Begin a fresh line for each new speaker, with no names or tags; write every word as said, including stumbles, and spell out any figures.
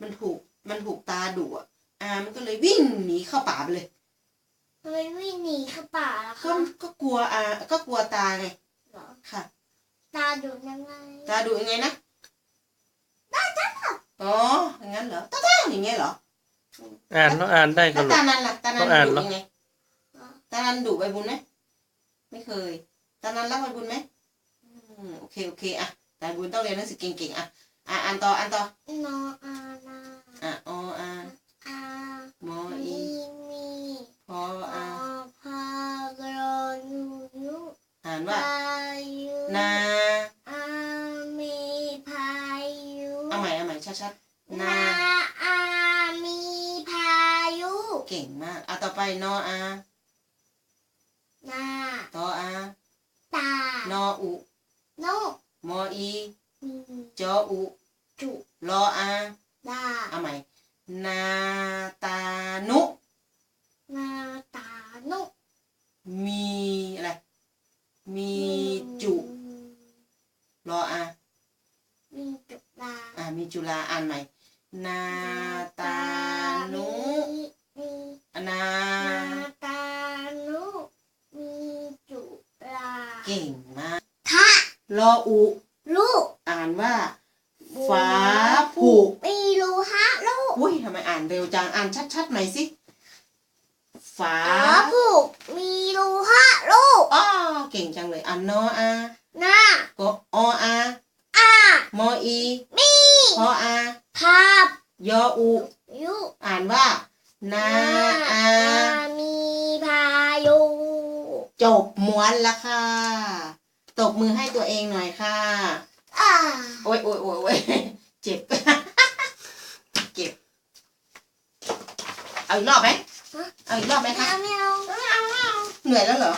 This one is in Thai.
มันถูกมันถูกตาดุอ่ะอามันก็เลยวิ่งหนีเข้าป่าไปเลย
ทำไมวิ่งหนีเข้าป่าล่ะ
ก็
คะ
ก็กลัวอาก็กลัวตาไง
เหรอ
ค่ะ
ตาดุยังไง
ตาดุยังไงนะตาจ้าอ๋ออย่างนั้นเหรอตาจ้าอย่างเงี้ยเหรอ
อ่านต้องอ่านได้ค
แล้
รับ
ว
ลู
ตาก นันล่ะตานัน
ต้องอ่าน
ดุ
เหรอ
ยังไงตานันดุใบบุญไหมไม่เคยตานันรักใบบุญไหมอืมโอเคโอเคอ่ะใบบุญต้องเรียนหนังสือเก่งๆอ่ะอ่ะอ่านต่ออ่านต่อน
ออานา
อ่ะออา
อาม
ออี
มีมี
พอ
พ
อา
อพากรอยูยุ
อ่านว่า
พายุ
นา
อามีพายุ
เอาใหม่เอาใหม่ชัดๆนา
นาอามีพายุ
เก่งมากเอาต่อไปนออา
นา
ตออา
ตาน
ออุ
โน
มออี
มี
จออุ
จุ
รออา
ดา
เอาใหม่นาตานุ
นาตาโน
มีอะไรมีจุรออา
มีจุลา
อ่ามีจุฬาอ่านใหม่นาตานุ
มี
นา
นาตานุมีจุลา
เก่งมาก
ทะ
รออุ
ลูก
อ่านว่าฟ้าผุ
มีรูฮะลูก
อุ้ยทำไมอ่านเร็วจังอ่านชัดๆหน่อยสิฟ้า
ฟ้าผูกมีรูฮะลูก
อ้อเก่งจังเลยอ่านนออา
หน้า
ก็ออา
อาม
ออี
มี
พออา
ภาพ
ยออุ
ยุ
อ่านว่านาอา
มีพายุ
จบม้วนละค่ะตบมือให้ตัวเองหน่อยค่ะ
อ่า
โอ้ยโอ้ยโอ้ยโอ้ยเจ็บ เจ็บ เอาอีกรอบไหมเอาอีกรอบไหม
ไม่
คะ
เอาไม่เอา
เหนื่อยแล้วเหรอ